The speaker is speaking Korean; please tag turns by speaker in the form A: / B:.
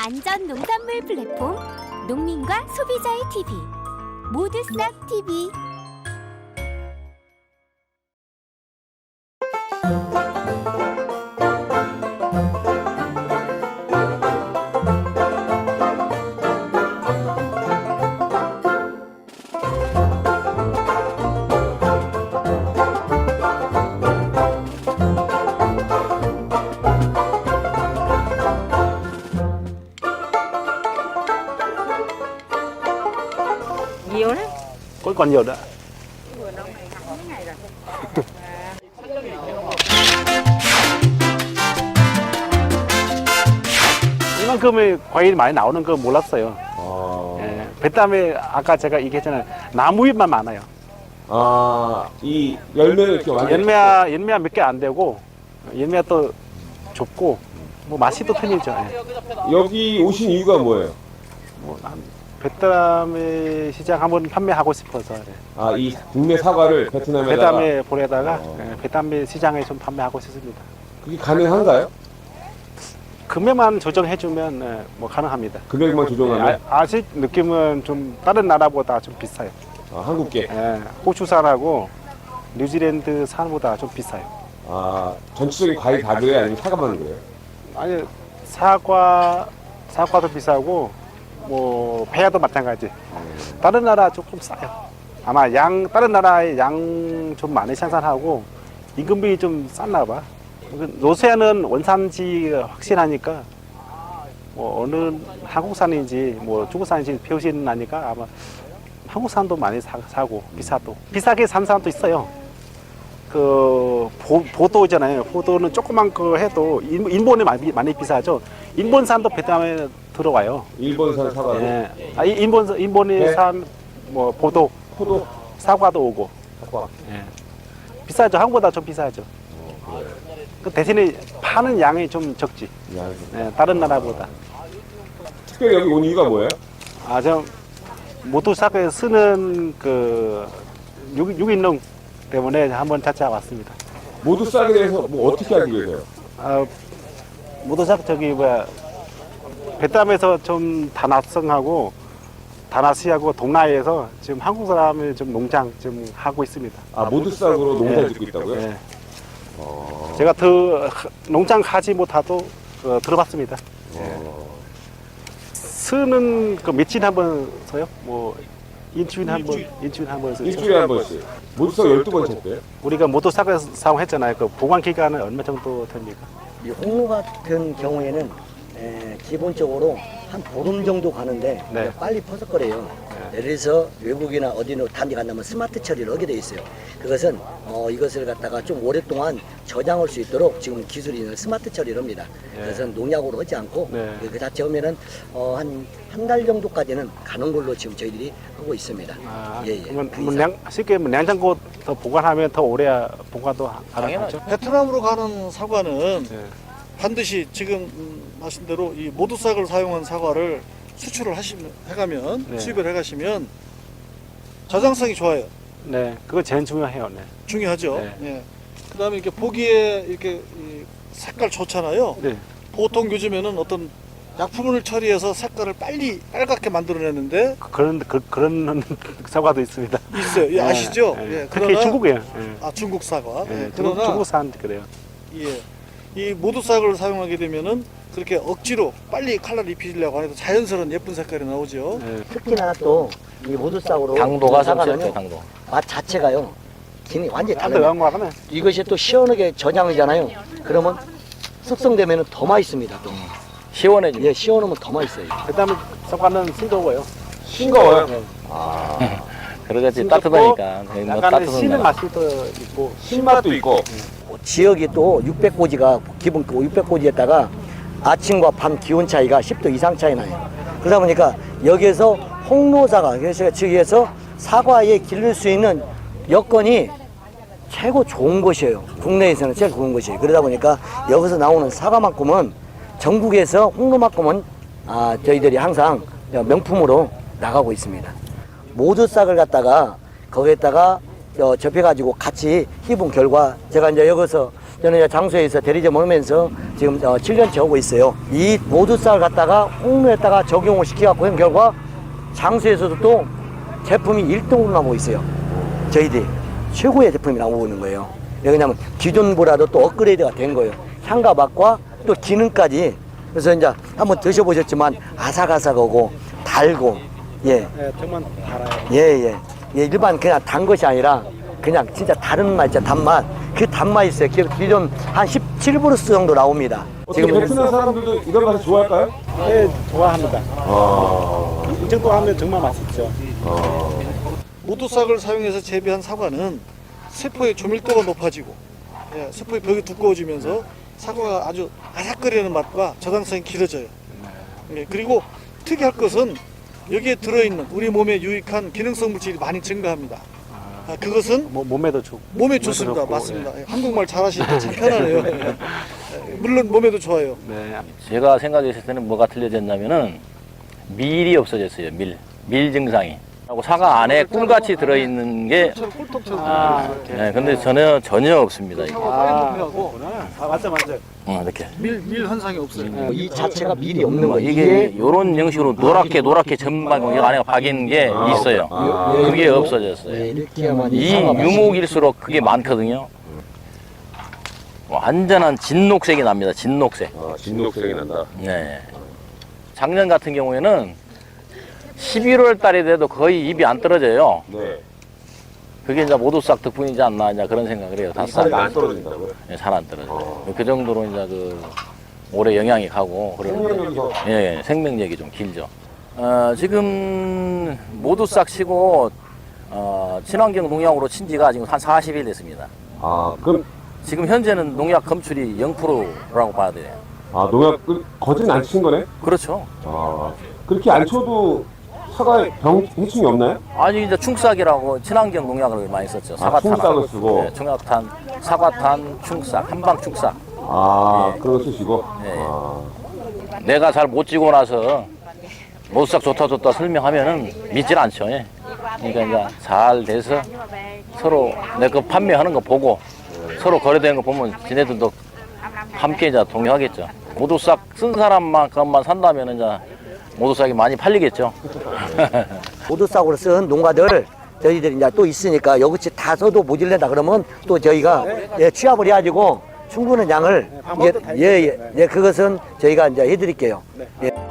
A: 안전 농산물 플랫폼 농민과 소비자의 TV 모두 싹 TV.
B: Nhiều đấy.
C: còn nhiều nữa.
B: Vừa đông này hẳn mấy ngày rồi.
C: 이만큼의 과일이 많이 나오는 거 몰랐어요. 예, 베트남에 아까 제가 얘기했잖아요. 나무잎만 많아요.
D: 아, 이 열매를 이렇게 완전
C: 연매가 몇 개 안 되고 연매가 또 좁고 뭐 맛이 또 틀리죠. 예.
D: 여기 오신 이유가 뭐예요?
C: 뭐, 베트남의 시장 한번 판매하고 싶어서 예.
D: 아, 이 국내 사과를 베트남에다가
C: 베트남에 보내다가 예, 베트남의 시장에 좀 판매하고 싶습니다.
D: 그게 가능한가요?
C: 금액만 조정해주면 예, 뭐 가능합니다.
D: 금액만 조정하면
C: 예, 아직 느낌은 좀 다른 나라보다 좀 비싸요.
D: 아, 한국계.
C: 예, 호주산하고 뉴질랜드 산보다 좀 비싸요.
D: 아, 전체적인 과일 다 그래요? 아니면 사과만 그래요?
C: 아니 사과도 비싸고 뭐 배야도 마찬가지. 다른 나라 조금 싸요. 아마 다른 나라의 양 좀 많이 생산하고 임금비 좀 쌌나 봐. 노세아는 원산지 확실하니까 뭐 어느 한국산인지 뭐 중국산인지 표시는 나니까 아마 한국산도 많이 사고 비싸도 비싸게 산 사람도 있어요. 그 보도잖아요. 보도는 조그만 거 해도 인본이 많이 비싸죠. 인본산도 베트남에 들어와요.
D: 일본산 사과도?
C: 예. 아, 인본이
D: 네.
C: 산 뭐 포도 사과도 오고.
D: 사과.
C: 예. 비싸죠. 한국보다 좀 비싸죠.
D: 그래요.
C: 그 대신에 파는 양이 좀 적지. 예, 다른 나라보다.
D: 특별히 여기 온 이유가 뭐예요?
C: 아, 저 모토사크에 쓰는 그 유기농 때문에 한번 찾아왔습니다.
D: 모두 싹에 대해서 뭐 어떻게 알고 계세요?
C: 아, 모토사크 저기 뭐야 베트남에서 좀 다나시하고 동남아에서 지금 한국 사람을 좀 농장 좀 하고 있습니다.
D: 아, 모두 싹으로 농사
C: 예.
D: 짓고 있다고요?
C: 예.
D: 어.
C: 제가 농장 하지 못하도 들어봤습니다. 쓰는 그 며칠 한번 써요? 뭐 일주일에 한 번 쓰죠.
D: 일주일에 한 번씩. 모두 싹 12번 쳤대요?
C: 우리가 모토사크 사용했잖아요. 그 보관 기간은 얼마 정도 됩니까?
E: 이 홍로 같은 경우에는 기본적으로 한 보름 정도 가는데
C: 네.
E: 빨리 퍼석거려요. 예를 들어서 외국이나 어디로 단지 간다면 스마트 처리를 하게 돼 있어요. 그것은 이것을 갖다가 좀 오랫동안 저장할 수 있도록 지금 기술이 스마트 처리를 합니다. 그래서 농약으로 하지 않고
C: 네.
E: 그 자체 하면은 한 달 정도까지는 가는 걸로 지금 저희들이 하고 있습니다.
C: 아,
E: 예, 예.
C: 그러면 쉽게 냉장고 더 보관하면 더 오래 보관도 가능하죠.
F: 베트남으로 가는 사과는
C: 네.
F: 반드시 지금 하신 대로 이 모두싹을 사용한 사과를 수출을 해가면
C: 네.
F: 수입을 해가시면 저장성이 좋아요.
C: 네, 그거 제일 중요해요. 네.
F: 중요하죠.
C: 네.
F: 예. 그다음에 이렇게 보기에 이렇게 이 색깔 좋잖아요.
C: 네.
F: 보통 요즘에는 어떤 약품을 처리해서 색깔을 빨갛게 만들어내는데
C: 그런 사과도 있습니다.
F: 있어요. 예, 아시죠?
C: 네.
F: 예.
C: 특히 중국이에요.
F: 아, 중국 사과.
C: 네.
F: 예. 그러나
C: 중국산 그래요.
F: 예. 이 모두싹을 사용하게 되면은 그렇게 억지로 빨리 컬러를 입히려고 해도 자연스러운 예쁜 색깔이 나오죠.
C: 네.
E: 특히나 또 이 모두싹으로
G: 당도가
E: 사과는요,
G: 상관없죠, 당도.
E: 맛 자체가요 기능이 완전히
C: 안
E: 달라요.
C: 들어간 거는
E: 이것이 또 시원하게 저장이잖아요. 그러면 숙성되면 더 맛있습니다. 또.
G: 시원해지고.
E: 예, 시원하면 더 맛있어요.
C: 그다음에 사과는 싱거워요.
D: 싱거워요?
C: 네.
G: 그러겠지.
C: 싱겁고
G: 따뜻하니까. 뭐
C: 약간
G: 따뜻한
C: 씨는
G: 거.
C: 맛이 또 있고.
D: 신맛도 있고.
E: 지역이 또 600고지가 기본 600고지에다가 아침과 밤 기온 차이가 10도 이상 차이 나요. 그러다 보니까 여기에서 홍로사과, 그래서 즉에서 사과에 기를 수 있는 여건이 최고 좋은 것이에요. 국내에서는 제일 좋은 것이에요. 그러다 보니까 여기서 나오는 사과만큼은 전국에서 홍로만큼은 저희들이 항상 명품으로 나가고 있습니다. 모두 싹을 갖다가 거기에다가 접해가지고 같이 해본 결과 제가 이제 여기서 저는 이제 장소에서 대리점 오면서 지금 7년째 오고 있어요. 이 모두싹을 갖다가 홍로에다가 적용을 시켜갖고 한 결과 장소에서도 또 제품이 1등으로 나오고 있어요. 저희들이 최고의 제품이 나오고 있는 거예요. 왜냐하면 기존보다도 또 업그레이드가 된 거예요. 향과 맛과 또 기능까지. 그래서 이제 한번 드셔보셨지만 아삭아삭하고 달고, 예.
C: 네, 정말 달아요.
E: 예. 일반 그냥 단 것이 아니라 그냥 진짜 다른 맛, 진짜 단맛. 그 단맛이 있어요. 기존 한 17브루스 정도 나옵니다.
D: 지금 베트남 사람들도 이런 맛을 좋아할까요?
C: 네, 좋아합니다. 이 정도 하면 정말 맛있죠.
F: 모두싹을 사용해서 재배한 사과는 세포의 조밀도가 높아지고 세포의 벽이 두꺼워지면서 사과가 아주 아삭거리는 맛과 저당성이 길어져요. 그리고 특이할 것은 여기에 들어있는 우리 몸에 유익한 기능성 물질이 많이 증가합니다. 그것은
C: 몸에도 좋고.
F: 몸에 좋습니다.
C: 좋고,
F: 맞습니다. 한국말 잘하시니까 참 편하네요. 물론 몸에도 좋아요.
C: 네.
G: 제가 생각했을 때는 뭐가 틀려졌냐면은 밀이 없어졌어요. 밀 증상이. 하고 사과 안에 꿀같이 들어있는 게 네, 근데 전혀 없습니다. 이게.
C: 맞죠.
G: 이렇게.
F: 밀 현상이 없어요.
E: 이 자체가 밀이 없는 거예요.
G: 이게 이런 형식으로 노랗게 전반 이 안에 박인 게 있어요. 그게 없어졌어요.
E: 이렇게야만
G: 이 유목일수록 그게 많거든요. 완전한 진녹색이 납니다. 진녹색.
D: 진녹색이 난다.
G: 네. 작년 같은 경우에는 11월 달에 돼도 거의 입이 안 떨어져요.
D: 네.
G: 그게 이제 모두싹 덕분이지 않나 이제 그런 생각을 해요.
D: 살이 안 떨어진다고요?
G: 네, 잘 안 떨어져요. 그 정도로 이제 그 오래 영향이 가고 그러는데 예, 생명력이 좀 길죠. 지금 모두싹 치고 친환경 농약으로 친 지가 지금 한 40일 됐습니다.
D: 그럼
G: 지금 현재는 농약 검출이 0%라고 봐야 돼요.
D: 농약 거진 안 치신 거네?
G: 그렇죠.
D: 그렇게 안 쳐도 사과에 병 해충이 없나요?
G: 아니 이제 충싹이라고 친환경 농약을 많이 썼죠.
D: 충싹을 쓰고.
G: 네, 충약탄, 사과탄, 충싹, 한방 충싹.
D: 그런 거 쓰시고.
G: 네. 내가 잘 못 지고 나서 모두싹 좋다 설명하면은 믿질 않죠. 예. 그러니까 이제 잘 돼서 서로 내 거 판매하는 거 보고 서로 거래되는 거 보면 지네들도 함께 이제 동의하겠죠. 모두싹 쓴 사람만큼만 산다면 이제 모두싹이 많이 팔리겠죠.
E: 모두싹으로 쓴 농가들 저희들이 이제 또 있으니까 여기치 다 써도 모질랜다 그러면 또 저희가 취합을 해가지고 충분한 양을 그것은 저희가 이제 해드릴게요.